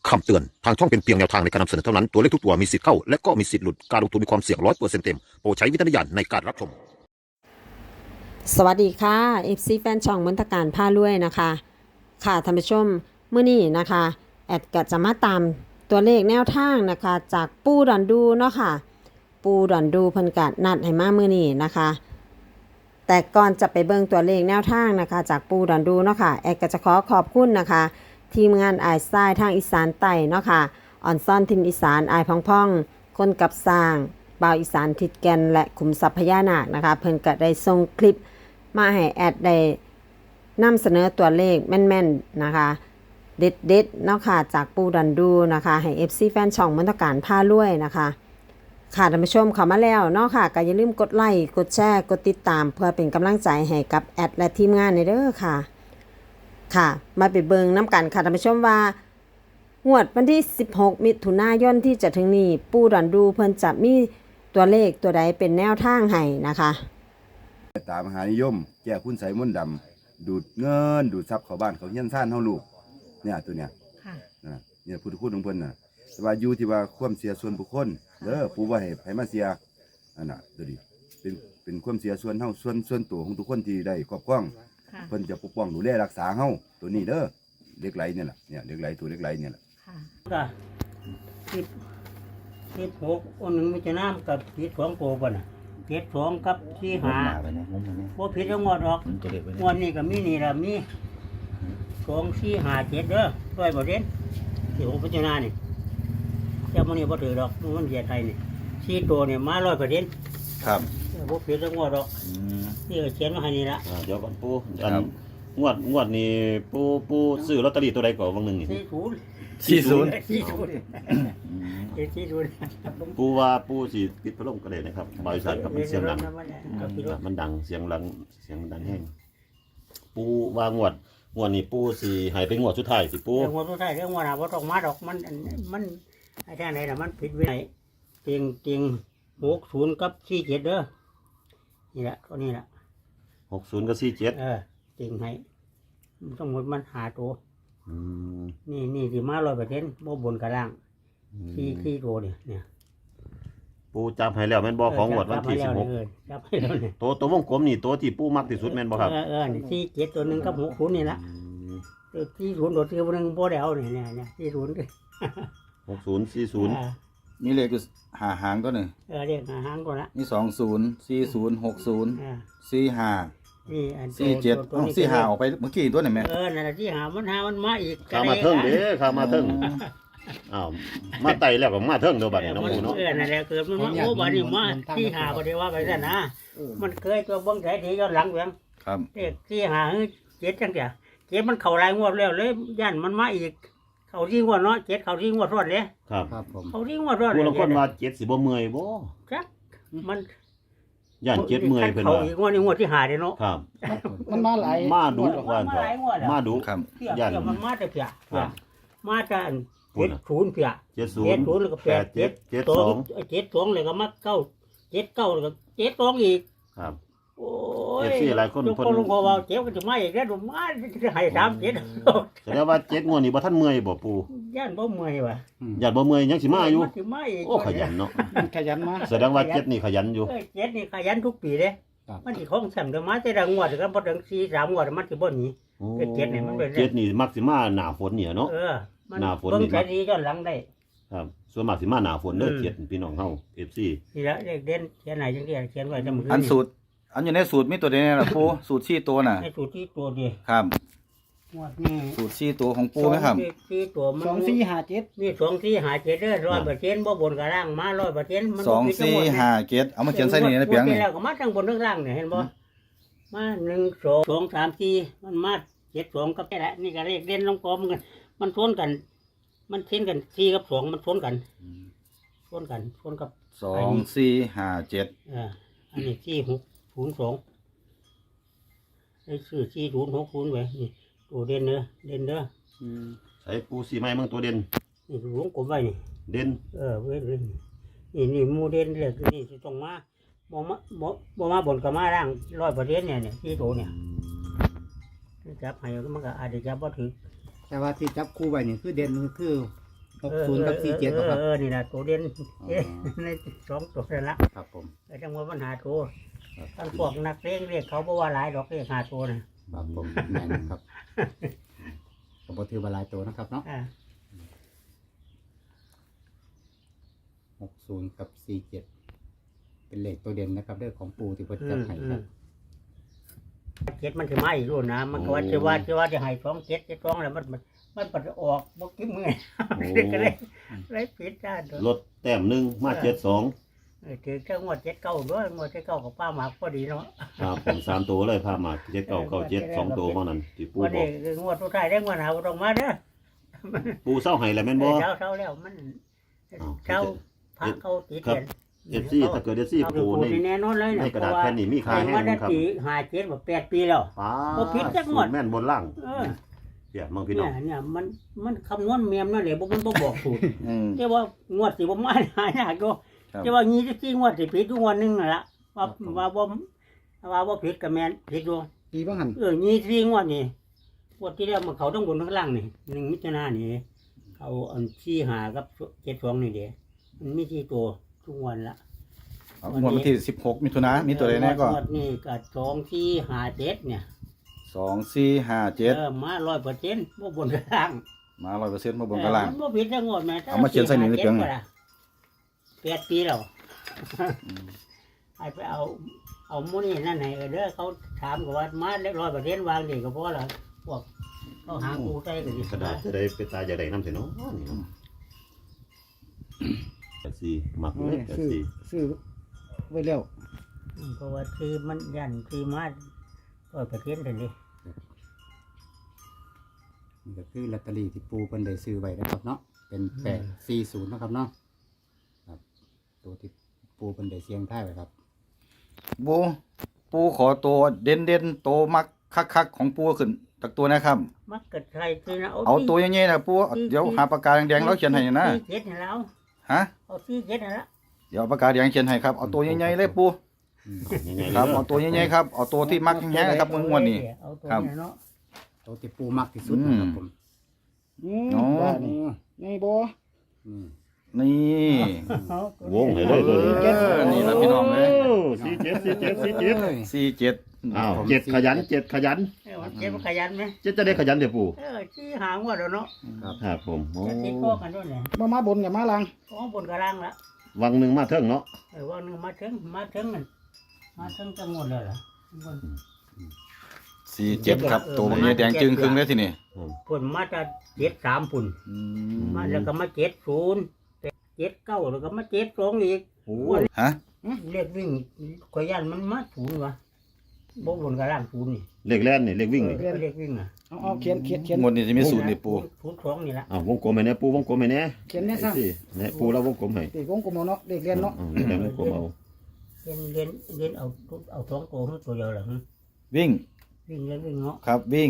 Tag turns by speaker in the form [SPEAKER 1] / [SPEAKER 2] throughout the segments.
[SPEAKER 1] คำเตือนทางช่องเป็นเพียงแนวทางในการนำเสนอเท่านั้นตัวเลขทุกตัวมีสิทธิ์เข้าและก็มีสิทธิ์หลุดการลงทุนมีความเสี่ยง100%เต็มโปรดใช้วิจารณญาณในการรับชม
[SPEAKER 2] สวัสดีค่ะ FC แฟนช่องมนตการผ้าล้วยนะคะค่ะท่านผู้ชมเมื่อนี้นะคะแอดก็จะมาตามตัวเลขแนวทางนะคะจากปูดอนดูเนาะค่ะปูดอนดูเพิ่นก็นัดให้มาเมื่อนี้นะคะแต่ก่อนจะไปเบิ่งตัวเลขแนวทางนะคะจากปูดอนดูเนาะค่ะแอดก็จะขอขอบคุณนะคะทีมงานอายทรายทางอีสานใต้เนาะค่ะอ่อนซ่อนทินอีสานอายพ่องๆคนกับสร้างบ่าวอีสานทิดแกนและขุมทรัพย์พญานาคนะคะเพิ่นก็ได้ส่งคลิปมาให้แอดได้นำเสนอตัวเลขแม่นๆนะคะเด็ดๆเนาะค่ะจากปูดันดูนะคะให้ FC แฟนช่องมนตการผ้าล้วยนะคะค่ะท่านผู้ชมเข้ามาแล้วเนาะค่ะก็อย่าลืมกดไลค์กดแชร์กดติดตามเพื่อเป็นกำลังใจให้กับแอดและทีมงานในเด้อค่ะค่ะมาไปเบิ่งน้ำกันค่ะท่านผู้ชมว่างวดวันที่16มิถุนายนที่จะถึงนี้ปูดันดูเพิ่นจะมีตัวเลขตัวใดเป็นแนวทางให้นะคะ
[SPEAKER 3] ตามหานิยมแก้คุณไสมนต์ดำดูดเงินดูดทรัพย์เข้าบ้านเขาเฮียนซ่านเฮาลูกเนี่ยตัวเนี้ยนะเนี่ยพุทธคุณของเพิ่นน่ะแต่ว่าอยู่ที่ว่าความเสียส่วนบุคคลเด้อปู่บ่ให้มาเสียอันน่ะตัวนี้เป็นความเสียส่วนเฮาส่วนตัวของทุกคนที่ได้ครอบครองเพิ่นจะปกป้องดูแลรักษาเฮาตัวนี้เด้อเหล็กไหลเนี่ยแหละเนี่ยเหล็กไหลตัวเหล็กไหลเนี่ยแหละ
[SPEAKER 4] ก็16อันหนึ่งมีจะน้ำกับผิดสองตัวป่ะน่ะผิดสองกับสี่หาบ่ผิดทั้งหมดหรอกงวดนี้ก็มีนี่ละมี2 4 5 7เด้อร้อยบ่เด่นที่ผมพิจารณานี่เจ้ามันนี่บ่ถือดอกมันเหยียดไทยนี่สี่ตัวเนี่ยมา100%
[SPEAKER 3] ครับ
[SPEAKER 4] บ่ผิดทั้งหมดหรอกนี่ก็เขียนมาให้นี่ละ
[SPEAKER 5] เดี๋ยวก่อนปูอันงวดนี้ปูซื้อลอตเตอรี่ตัวใดก่อนวันหนึ่งนี่
[SPEAKER 4] 40
[SPEAKER 5] ปูว่าปูสิปิดพัดลมก็ได้นะครับบริษัทกับมันเสียงดังมันดังเสียงดังแห้งปูว่างวดนี้ปูสิหายไปงวดสุดท้ายสิปู
[SPEAKER 4] งวดสุดท้ายเรื่องงวดน่ะบ่ต้องมาดอกมันไอ้แท้ไหนน่ะมันผิดไว้ไหนเตียง60กับ47เด้อนี่แหละตัวนี้แหละ
[SPEAKER 5] 60กับ47
[SPEAKER 4] เตียงให้ทั้งหมดมันหาตัวนี่สิมา100%บ่บนกระล่างที่ตัวเนี่ย
[SPEAKER 5] ปูจับให้แล้วแม่นบ่ของงวดวันที่16
[SPEAKER 4] จับให้แล้วเนี่ย
[SPEAKER 5] ตัววงกลมนี่ตัวที่ปูมักที่สุดแม่นบ่ครับ
[SPEAKER 4] นี่47ตัวนึงกับ60นี่ละ40ตัวที่นึงบ่ได้เอาเนี่ย40
[SPEAKER 5] 60 40
[SPEAKER 6] มีเลขอยู่หาหางก็หนึ่ง
[SPEAKER 4] เลขหางก่อนละ
[SPEAKER 6] มี20 40 60 45
[SPEAKER 4] นี่
[SPEAKER 6] 47 45ออกไปเมื่อกี้ตัวไหนแม่
[SPEAKER 4] นั่นแหละที่หามันมาอีก
[SPEAKER 5] ข้ามาเทิงเด้ข้ามาเทิงอ้าวมาไต่แล้วก็มาเทิงเด้อบัดนี้น้องปูเนาะ
[SPEAKER 4] นั่นแหละเกิดมันโอ้บัดนี้มาที่หาบ่ได้ว่าไปซั่นนะมันเคยตัวเบิ่งไสที่ย้อนหลังเพียง
[SPEAKER 6] ครับ
[SPEAKER 4] เลขที่หา7จังซี่7มันเข้าหลายงวดแล้วเลยย่านมันมาอีกเข้าที่งวดเนาะ7เข้าที่งวดซ้อนเด้
[SPEAKER 5] ครับ
[SPEAKER 6] ผม
[SPEAKER 4] เข้าที่งวดซ้อน
[SPEAKER 5] ผู้ลางคนว่า7สิบ่เมื่อยบ่
[SPEAKER 4] จักมัน
[SPEAKER 5] ย่าน7เมื่อยเพิ่นว่า
[SPEAKER 4] งวดนี้งวดที่5เด้เนาะ
[SPEAKER 5] ครับ
[SPEAKER 6] มันมาหลาย
[SPEAKER 5] มาดุว่ามาดุ
[SPEAKER 6] ครับ
[SPEAKER 4] ย่านมันมาแต่เพียมาแต่70เพีย70แล้วก็72แล้วก็มา79แล้วก็72อีก
[SPEAKER 5] ครับ
[SPEAKER 4] โอ้ย
[SPEAKER 5] หลายคน
[SPEAKER 4] เพิ่นก็ว่าเจ็บก็จะมาอีกแล้วมาให้37
[SPEAKER 5] แสดงว่า7งวดนี้บ่ทันเมื่อยบ่ปู่
[SPEAKER 4] ย่านบ่เมื่อยว่ะ
[SPEAKER 5] ย่านบ่เมื่อยยังสิมาอยู่
[SPEAKER 4] โอ้
[SPEAKER 5] ขยันเนาะ
[SPEAKER 6] ขยันมา
[SPEAKER 5] แสดงว่า7นี่ขยันอยู่
[SPEAKER 4] 7นี่ขยันทุกปีเด้มันสิของแซมเด้อมาแต่ละงวดก็บ่ถึง4-3งวดมันสิบ่หนี7นี่มันเป็น
[SPEAKER 5] 7นี่มักสิมาหน้าฝนเนี่ยเนาะหน้าฝนนี่
[SPEAKER 4] เบิ่งใจดีย้อนหลังได้
[SPEAKER 5] ครับส่วนมากสิมาหน้าฝนเด้อ7พี่น้องเฮา FC
[SPEAKER 4] นี่ละเลขเด่นเขียนไหนจังซี่เขียนไว้จังมื้อ
[SPEAKER 6] อันสูตรอันอยู่ในสูตรมีตัวใดแน่ล่ะปูสูตร4ตัวน่ะ
[SPEAKER 4] ในสูตรที่ตัวเดียว
[SPEAKER 6] ครับ
[SPEAKER 4] งวดนี้
[SPEAKER 6] สูตร4ตัวของปูมั้ยครับ
[SPEAKER 4] 4ตัวมัน2457นี่2457เด้อ100%บ่บนกับล่างมา100%มัน
[SPEAKER 6] 2457เอามาเขียนใส่นี่ในเปียงนี่
[SPEAKER 4] แล้วก็มาทั้งบนทั้งล่างเนี่ยเห็นบ่มา1 2 3 4มันมา72กับแค่ละนี่ก็เลขเด่นลงกลมกันมันชนกันมันเช่นกัน4กับ2มันชนกันกับ
[SPEAKER 6] 2457
[SPEAKER 4] อันนี้4602ไอ้ชื่อ4060ไว้นี่ตัวเด่นเด้อ
[SPEAKER 5] ใส่ปูสีไม้เมืองตัวเด่น
[SPEAKER 4] นี่วงกลมไว้นี่
[SPEAKER 5] เด่น
[SPEAKER 4] เว้ยนี่หมู่เด่นเลยนี่สิต้องมาบ่มาบนกับมาล่าง100%เนี่ยที่ตัวเนี่ยจับให้มันก็อาจจะจับบ่ถึง
[SPEAKER 7] แต่ว่าที่จับคู่ไว้นี่คือเด่นคือ 60กับ47บ่ครับ
[SPEAKER 4] นี่นะตัวเด่นในสองตัวนั่นละ
[SPEAKER 7] ครับผม
[SPEAKER 4] ไอ้จังหวะปัญหาตัวท่านพวกนักเลงเรียกเขาบอกว่าหลายดอกเรียกหาตัวนะครับ
[SPEAKER 7] ผมแม่นครับก็บ่ถือว่าหลายตัวนะครับเนาะ
[SPEAKER 4] อ่า
[SPEAKER 7] 60กับ47เป็นเลขตัวเด่นนะครับเด้อของปู่ที่เพิ่นจัดให้ครับ
[SPEAKER 4] เจ็ดมันจะไม่รู้นะมันก็ว่าจะให้2 7 7 2แล้วมันปัดออกบ่กิ้มมือก็เลยผิดจ้าตัว
[SPEAKER 5] ลดแต้มหนึ่งมา72
[SPEAKER 4] ถือแค่งวด7 9ด้วยงวด7 9กับป้าหมากพอดีเนาะ
[SPEAKER 5] ครับผม3ตัวเลยพามา7997 2ตัวเท่านั้นที่ปู
[SPEAKER 4] วัน
[SPEAKER 5] บอ
[SPEAKER 4] นี้
[SPEAKER 5] ก
[SPEAKER 4] คืองวดสุดท้ายได้งวดหาบ่ต้องมาเด้อ
[SPEAKER 5] ปูเศร้าให้แล้วแม่นบ่
[SPEAKER 4] เช้าแล้วมัน
[SPEAKER 5] อ้าว
[SPEAKER 4] เช้าพระเขาติด
[SPEAKER 5] ครับ
[SPEAKER 4] เรียน
[SPEAKER 5] FC ถ้าเกิด FC
[SPEAKER 4] เอา
[SPEAKER 5] ปู
[SPEAKER 4] ปู
[SPEAKER 5] ใน
[SPEAKER 4] นี่แน่นอนเลย
[SPEAKER 5] ใน
[SPEAKER 4] นะ
[SPEAKER 5] กระดาษแผ่นนี้มีค่าแห้ง
[SPEAKER 4] ว่าได้
[SPEAKER 5] ครับ
[SPEAKER 4] ปี57แบบ8 ปีแล้ว
[SPEAKER 5] ป้า
[SPEAKER 4] บ่ผิดจักงวด
[SPEAKER 5] แม่นบนล่าง
[SPEAKER 4] เออ
[SPEAKER 5] เดี๋ยวมึงพี่น้อง
[SPEAKER 4] เนี่ยมันคำนวณเมียมนั่นแหละบ่มันบ่บอกสูตร
[SPEAKER 6] อืม
[SPEAKER 4] แต่ว่างวดสิบ่มาหายากอยู่
[SPEAKER 6] ครับ
[SPEAKER 4] แต่ว่า24งวดสิผิดทุกงวดหนึงนั่นล่ะว่าบ่ผิดก็แม่นผิดอยู่
[SPEAKER 7] ปีบ่หัน
[SPEAKER 4] 24งวดนี่งวดที่แล้วมันเขาทั้งบนทั้งล่างนี่1มิถุนายนนี่เขาอัน45กับ72นี่เด้มันมี4ตัวทุกวันละ
[SPEAKER 6] เอางวดวันที่16มิถุนายนมีตัวใดแน่ก็
[SPEAKER 4] งวดนี่ก็2457เนี่ย
[SPEAKER 6] 2457
[SPEAKER 4] มา100%บ่บนกลาง
[SPEAKER 6] มา100%มาบนกระล่าง
[SPEAKER 4] มันบ่ผิดจังงวดแม่
[SPEAKER 6] เอามาเขียนใส่นี่ในเปียง
[SPEAKER 4] 8 ปีแล้วให้ไปเอาหมู่นี่นั่นให้เด้อเขาถามก็ว่ามาได้100%วางนี่ก็พอละพวกเขาหากูใส่ก็สิ
[SPEAKER 5] กระดาษจะได้ไปตายจะได้น้ำเสียเนาะนี่เนาะ84มักเลย84
[SPEAKER 7] ซื้อไว้แล้ว
[SPEAKER 4] เพราะว่าคือมันยันคือมา100%เลย
[SPEAKER 7] นี่ก็คือลอตเตอรี่ที่ปู่เพิ่นได้ซื้อไว้นะครับเนาะเป็น840นะครับเนาะครับตัวที่ปู่เพิ่นได้เสี่ยงทายไว้ครับ
[SPEAKER 6] ปูขอตัวเด่นๆโตมักคักๆของปูขึ้นจากตัวนะครับ
[SPEAKER 4] มักกะไทยคือนะ
[SPEAKER 6] เอาตัวใหญ่ๆนะปูเดี๋ยวหาปากกาแดงๆแล้วเขียนให้นะ
[SPEAKER 4] เจ็ดให้แล้ว
[SPEAKER 6] ฮะ
[SPEAKER 4] เอาซี่เจ็ดให้แล้ว
[SPEAKER 6] เดี๋ยวเอาปากกาแดงเขียนให้ครับเอาตัวใหญ่ๆเลยปู
[SPEAKER 5] ยังไง
[SPEAKER 6] ครับเอาตัวใหญ่ๆครับเอาตัวที่มักแห้งๆนะครับมึงวันนี้
[SPEAKER 4] เอาตัว
[SPEAKER 6] ครับ
[SPEAKER 4] นี้เนาะ
[SPEAKER 7] ตัวที่ปู่มักที่สุดนะครับผม
[SPEAKER 6] อ๋อ
[SPEAKER 7] นี่บ่
[SPEAKER 6] นี่
[SPEAKER 4] เอาตัว
[SPEAKER 5] วงให้เลยตัวนี้
[SPEAKER 6] นี่ล่ะพี่น้องเอ้ย
[SPEAKER 5] 47
[SPEAKER 6] 47
[SPEAKER 5] อ้าว7ขยัน7ขยัน
[SPEAKER 4] เออมันเจ็บมันขยันไหม
[SPEAKER 5] จะได้ขยันเดี๋ยวปู่
[SPEAKER 4] ที่หางว่าเดี๋ยวเนาะ
[SPEAKER 5] ครับผมโอ้
[SPEAKER 4] จะติดข้อกันด้วยเนี่ย
[SPEAKER 7] บ่มาบนกับมาลัง
[SPEAKER 4] ของบนกระลังละ
[SPEAKER 5] วังหนึ่งมาเทิงเนาะ
[SPEAKER 4] ว่านึงมาถึงมันจังหมดเลยล่ะบน
[SPEAKER 6] 47ครับตัวมันแดงจึงครึ่งเลยทีนี้
[SPEAKER 4] ปุ่นมาจะ73ปุ่นมาแล้วก็มา70 79แล้วก็มา72อีก
[SPEAKER 5] โอ้
[SPEAKER 6] ฮะ
[SPEAKER 4] เรียกวิ่งขยันมันมา0วะบ่บนกระลัง0นี่
[SPEAKER 5] เลขแล่นนี่เลขวิ่งนี่
[SPEAKER 4] เรียกวิ่งอ่ะ
[SPEAKER 7] เอาเขียน
[SPEAKER 6] หมดนี่จะมีสูตรนี่ปู
[SPEAKER 4] 02นี่ละ
[SPEAKER 5] อ้าววงกลมให้แน่ปูวงกลมให้แน่
[SPEAKER 7] เขียนแน่ซะ
[SPEAKER 5] สิแน่ปูแล้ววงกลมให้
[SPEAKER 7] เด็กวงกลมเอาเนาะเด็กเรียนเนาะ
[SPEAKER 5] เลขแล่นวงกลมเอา
[SPEAKER 4] เรียนเอา2ตัวตัวเดียวล่ะ
[SPEAKER 6] วิ่ง
[SPEAKER 4] วิ่งเรียนวิ่งเนาะ
[SPEAKER 6] ครับวิ่ง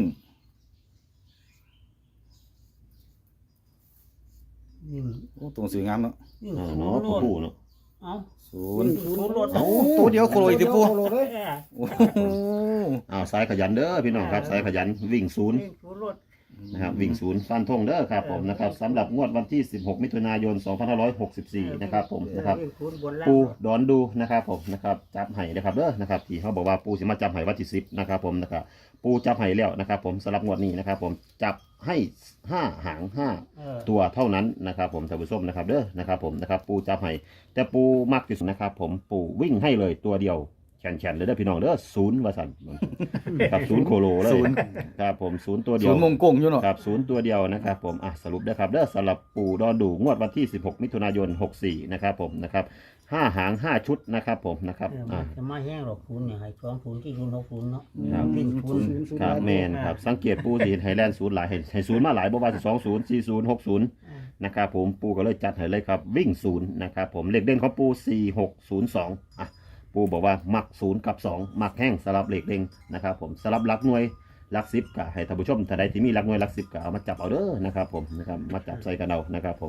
[SPEAKER 4] วิ่ง
[SPEAKER 6] โอ้ตัวหนังสืองามเนาะ
[SPEAKER 4] วิ่ง
[SPEAKER 5] อ่า
[SPEAKER 4] ศู
[SPEAKER 5] เนาะ
[SPEAKER 4] นย์โลด
[SPEAKER 5] ปูเนาะ
[SPEAKER 4] เอา
[SPEAKER 6] 0
[SPEAKER 4] ศูนย์โลด
[SPEAKER 6] เอ้าตัวเดียวโคโลอีกติปู
[SPEAKER 7] โคโลเลย
[SPEAKER 6] โอ้โห
[SPEAKER 5] อ้าวสายขยันเด้อพี่น้องครับสายขยันวิ่งศูนย์
[SPEAKER 4] วิ่งศูนย์โลด
[SPEAKER 5] นะครับวิ่งศูนย์ฟันธงเด้อครับผมนะครับสำหรับงวดวันที่ 16 มิถุนายน 2564 นะครับผมนะครับ
[SPEAKER 4] วิ่งศูนย์บนล่าง
[SPEAKER 5] ปูดอนดูนะครับผมนะครับจับไห้นะครับเด้อนะครับที่เขาบอกว่าปูสิมาจับไห้วันที่10นะครับผมนะครับปูจับไห้แล้วนะครับผมสำหรับงวดนี้นะครับผมจับให้5หาง5ตัวเท่านั้นนะครับผมท่านผู้ชมนะครับเด้อนะครับผมนะครับปูจับไห้แต่ปูมักที่สุดนะครับผมปูวิ่งให้เลยตัวเดียวแขนๆเลยเด้อพี่น้องเด้อ0ว่าสั่นครับ0โคโลเลยครับผม0ตัวเดียว
[SPEAKER 6] ศูนย์มงกงอยู่เนาะ
[SPEAKER 5] ครับ0ตัวเดียวนะครับผมสรุปได้ครับเด้อสำหรับปู่ดอนดูงวดวันที่ 16 มิถุนายน 64 นะครับผมนะครับ5หาง 5 ชุดนะครับผมนะครับ
[SPEAKER 4] มันจะมาแห้งหรอกศูนย์เนี่ยให้20ที่060เนาะ
[SPEAKER 5] ครับ
[SPEAKER 4] วิ่งศูนย์
[SPEAKER 5] ครับแมนครับสังเกตปู่สิไฮแลนด์0หลายให้0มาหลายบ่ว่าสิ20 40 60นะครับผมปู่ก็เลยจัดให้เลยครับวิ่ง0นะครับผมเลขเด่นของปู่4602ปู่บอกว่ามัก0กับ2มักแห้งสลับเลขเด่นนะครับผมสลับหลักหน่วยหลัก10ก็ให้ท่านผู้ชมถ้าใดที่มีหลักหน่วยหลัก10ก็เอามาจับเอาเด้อนะครับผมนะครับมาจับใส่กันเอานะครับผม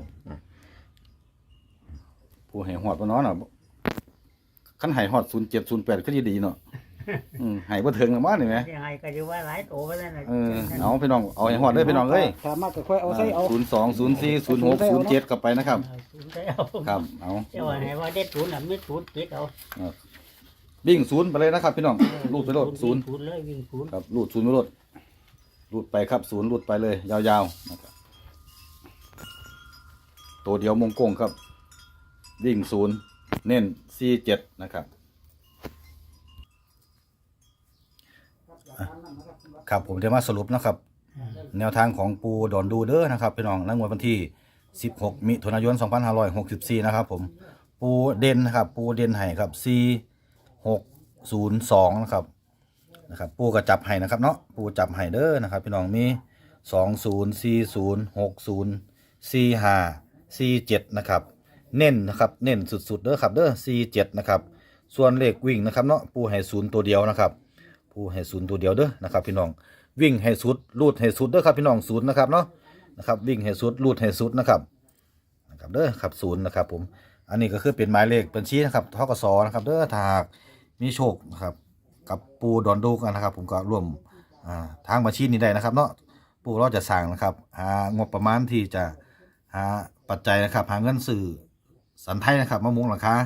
[SPEAKER 6] ผู้ให้หอดบ่เนาะคันให้หอด07 08ก็ดีเนาะให้บ่ถึงแล้วมั้นี่แหม
[SPEAKER 4] ยังไงก็จะว่าหลายโตไปแล้วนะ
[SPEAKER 6] เอาพี่น้องเอาให้ฮอดเด้อพี่น้องเอ้ย
[SPEAKER 7] สามารถก็ค่อยเอาใส่เอา
[SPEAKER 6] 02 04 06 07กลับไปนะครับ
[SPEAKER 4] ศูนย์ได้เอา
[SPEAKER 6] ครับเอา
[SPEAKER 4] เจ้าว่าให้ว่าเด็ดศูนย์น่ะไม่ศูนย์เจ็ดเอา
[SPEAKER 6] วิ่งศูนย์ไปเลยนะครับพี่น้องรูดไปโลดศูนย์
[SPEAKER 4] ศูนย์เลยวิ่งศูนย์
[SPEAKER 6] ครับรูดศูนย์ไปโลดรูดไปครับศูนย์รูดไปเลยยาวๆนะครับตัวเดียวมงกงครับวิ่งศูนย์เน้น47นะครับครับผมจะมาสรุปนะครับ แนวทางของปูดอนดูเด้อนะครับพี่น้องในงวดวันที่16มิถุนายน2564นะครับผมปูเด่นนะครับปูเด่นให้ครับ4602นะครับปูก็จับให้นะครับเนาะปูจับให้เด้อนะครับพี่น้องมี2040604547นะครับเน้นนะครับเน้นสุดๆเด้อครับเด้อ47นะครับส่วนเลขวิ่งนะครับเนาะปูให้0ตัวเดียวนะครับปูให้0ตัวเดียวเด้อนะครับพี่น้องวิ่งให้สุดรูดให้สุดเด้อครับพี่น้อง0นะครับเนาะนะครับวิ่งให้สุดรูดให้สุดนะครับเด้อครับ0นะครับผมอันนี้ก็คือเป็นหมายเลขบัญชีนะครับธกสนะครับเด้อถ้าหากมีโชคนะครับกับปูดอนดูกันนะครับผมก็ร่วมทางบัญชีนี้ได้นะครับเนาะปูเราจะสั่งนะครับหางบประมาณที่จะหาปัจจัยนะครับหาเงินสื่อสันไทยนะครับมะม่วงหลังคา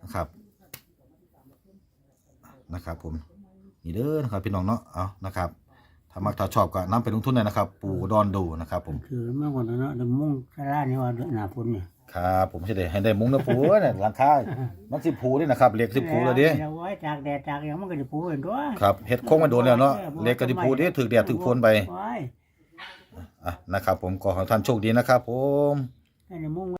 [SPEAKER 6] นะครับผมนี่เด้อนะครับพี่น้องเนาะเอานะครับถ้ามักถ้าชอบก็นำไปลงทุนได้นะครับปูดอนดูนะครับผม
[SPEAKER 4] คือเมื่อก่อนเนาะเดี๋ยวมุ่งสารานี่ว่าหน้าฝนเนี่ย
[SPEAKER 6] ครับผมจะได้ให้ได้มุ้งนะปูเนี่ยหลังคามันสิผูนี่นะครับเหล็กสิผูเลยดิ
[SPEAKER 4] เอาไว้จากแดดจากอย่างมันก็จะปูเห็นด้วย
[SPEAKER 6] ครับเฮ็ดโค้งมาโดนแล้วเนาะเหล็กก็สิผูดิถึกแดดถึกฝนไป
[SPEAKER 4] ไว้
[SPEAKER 6] นะครับผมขอให้ท่านโชคดีนะครับผม
[SPEAKER 4] ให้ในมุ่ง